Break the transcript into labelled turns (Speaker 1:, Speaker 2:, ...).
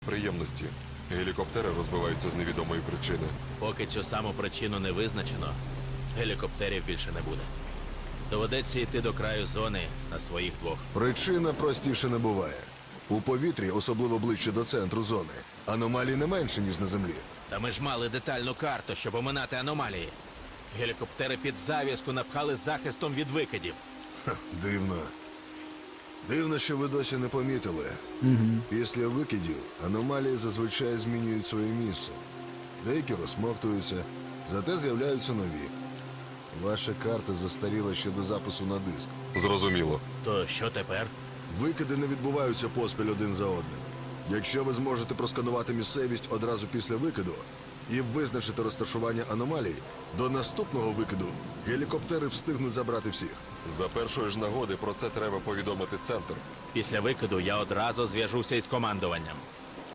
Speaker 1: Приємності. Гелікоптери розбиваються з невідомої причини.
Speaker 2: Поки цю саму причину не визначено, гелікоптерів більше не буде. Доведеться йти до краю зони на своїх двох.
Speaker 3: Причина простіше не буває. У повітрі, особливо ближче до центру зони, аномалій не менше, ніж на землі.
Speaker 2: Та ми ж мали детальну карту, щоб оминати аномалії. Гелікоптери під зав'язку напхали захистом від викидів.
Speaker 3: Ха, дивно. Дивно, що ви досі не помітили. Після викидів аномалії зазвичай змінюють своє місце. Деякі розсмоктуються, зате з'являються нові. Ваша карта застаріла ще до запису на диск.
Speaker 1: Зрозуміло.
Speaker 2: То що тепер?
Speaker 3: Викиди не відбуваються поспіль один за одним. Якщо ви зможете просканувати місцевість одразу після викиду і визначити розташування аномалій, до наступного викиду гелікоптери встигнуть забрати всіх.
Speaker 1: За першої ж нагоди про це треба повідомити центр.
Speaker 2: Після викиду я одразу зв'яжуся із командуванням.